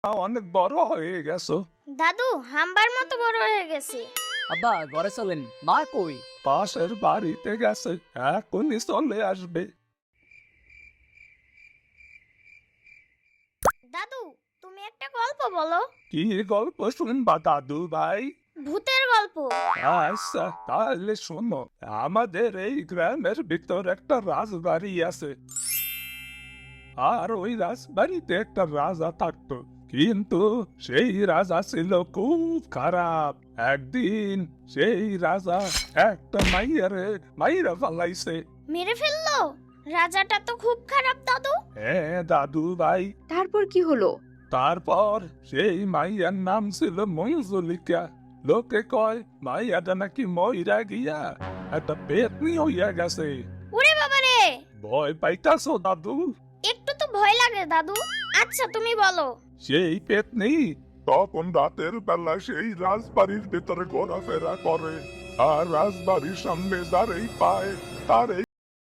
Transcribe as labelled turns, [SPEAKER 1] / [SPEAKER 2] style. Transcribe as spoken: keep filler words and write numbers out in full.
[SPEAKER 1] অনেক বড় হয়ে গেছো।
[SPEAKER 2] দাদু হাম্বার মতো বড় হয়ে গেছে।
[SPEAKER 3] আব্বা ঘরে চলেন, মা কই?
[SPEAKER 1] পাশের বাড়িতে গেছে, এখনই চলে আসবে।
[SPEAKER 2] দাদু তুমি একটা গল্প বলো।
[SPEAKER 1] কি গল্প শুনবা দাদু ভাই?
[SPEAKER 2] ভূতের গল্প।
[SPEAKER 1] আচ্ছা তাহলে শোনো, আমাদের এই গ্রামের ভিতর একটা রাজবাড়ি আছে, আর ওই রাজবাড়িতে একটা রাজা থাকতো। কিন্তু সেই রাজা ছিল খুব খারাপ। একদিন সেই রাজা একটা মাইয়ারে মাইরা ফালাইছে।
[SPEAKER 2] মেরে ফেললো? রাজাটা তো খুব খারাপ দাদু।
[SPEAKER 1] হ্যাঁ দাদু ভাই।
[SPEAKER 4] তারপর কি হলো?
[SPEAKER 1] তারপর সেই মাইয়ার নাম ছিল মঞ্জুলিকা। লোকে কয় মাইয়াটা নাকি মইরা গিয়া একটা পেতনি হইয়া গেছে।
[SPEAKER 2] ওরে বাবা রে,
[SPEAKER 1] ভয় পাইতাছো দাদু?
[SPEAKER 2] একটু তো ভয় লাগে দাদু। আচ্ছা তুমি বলো।
[SPEAKER 1] সেই পেতনি তখন রাতের বেলা সেই রাজবাড়ির ভেতরে ঘোরাফেরা করে, আর রাজবাড়ির সামনে যারেই পায় তারেই